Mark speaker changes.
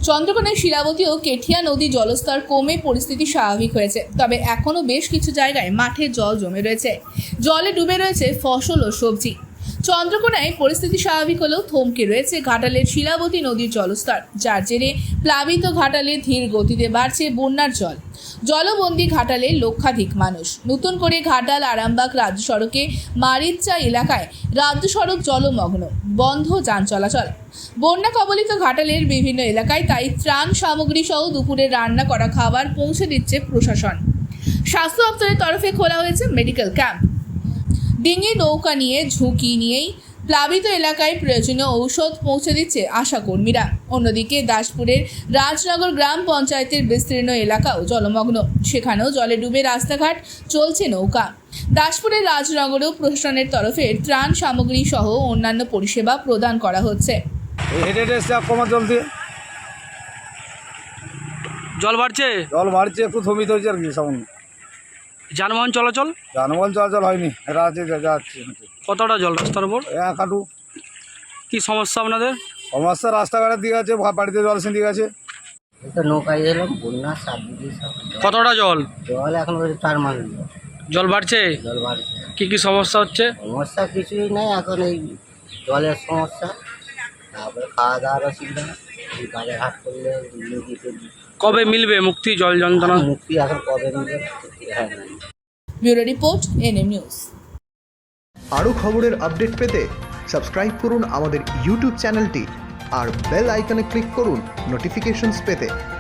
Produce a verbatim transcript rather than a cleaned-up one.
Speaker 1: চন্দ্রকোনায় শিলাবতী ও কেঠিয়া নদী জলস্তর কমে পরিস্থিতি স্বাভাবিক হয়েছে, তবে এখনও বেশ কিছু জায়গায় মাঠে জল জমে রয়েছে। জলে ডুবে রয়েছে ফসল ও সবজি। চন্দ্রকোনায় পরিস্থিতি স্বাভাবিক হলেও থমকে রয়েছে ঘাটালের শিলাবতী নদীর জলস্তর, যার জেরে প্লাবিত ঘাটালে ধীর গতিতে বাড়ছে বন্যার জল। জলবন্দী ঘাটালে লক্ষাধিক মানুষ। নতুন করে ঘাটাল আরামবাগ রাজ্য সড়কে মারিচা এলাকায় রাজ্য সড়ক জলমগ্ন, বন্ধ যান চলাচল। বন্যা কবলিত ঘাটালের বিভিন্ন এলাকায় তাই ত্রাণ সামগ্রী সহ দুপুরে রান্না করা খাবার পৌঁছে দিচ্ছে প্রশাসন। স্বাস্থ্য দপ্তরের তরফে খোলা হয়েছে মেডিকেল ক্যাম্প। ডিঙি নৌকা নিয়ে ঝুঁকি নিয়েই প্লাবিত এলাকায় প্রয়োজনীয় ঔষধ পৌঁছে দিচ্ছে আশাকর্মীরা। অন্যদিকে দাসপুরের রাজনগর গ্রাম পঞ্চায়েতের বিস্তীর্ণ এলাকাও জলমগ্ন, সেখানেও জলে ডুবে রাস্তাঘাট, চলছে নৌকা। দাসপুরের রাজনগরেও প্রশাসনের তরফে ত্রাণ সামগ্রী সহ অন্যান্য পরিষেবা প্রদান করা হচ্ছে।
Speaker 2: জল বাড়ছে
Speaker 3: জল বাড়ছে একটু থমিত হয়েছে আর কি। সামনে
Speaker 2: যানবাহন চলাচল
Speaker 3: যানবাহন চলাচল হয়নি, রাতে যাচ্ছে
Speaker 2: কতটা জল রাস্তার উপর?
Speaker 3: এক হাঁটু।
Speaker 2: কি সমস্যা আপনাদের?
Speaker 3: সমস্যা রাস্তাঘাটের দিকে আছে, বাড়িতে জল এসে দিকে আছে।
Speaker 4: তো নৌকায় এলাম, বন্যা সাত দিকে সব
Speaker 2: কতটা জল?
Speaker 4: জল এখন চার মাস
Speaker 2: জল বাড়ছে।
Speaker 4: জল বাড়ছে।
Speaker 2: কি কি সমস্যা হচ্ছে?
Speaker 4: সমস্যা কিছুই নেই, এখন এই জলের সমস্যা, তারপরে খাওয়া দাওয়ার অসুবিধা। এই কাজে হাট করলে নদীতে
Speaker 2: কবে মিলবে মুক্তি জল যন্ত্রণা?
Speaker 4: মুক্তি এখন কবে মিলবে হ্যাঁ নাই।
Speaker 1: Bureau report, NM news.
Speaker 5: আরও খবরের আপডেট পেতে সাবস্ক্রাইব করুন আমাদের ইউটিউব চ্যানেলটি আর বেল আইকনে ক্লিক করুন নোটিফিকেশনস পেতে।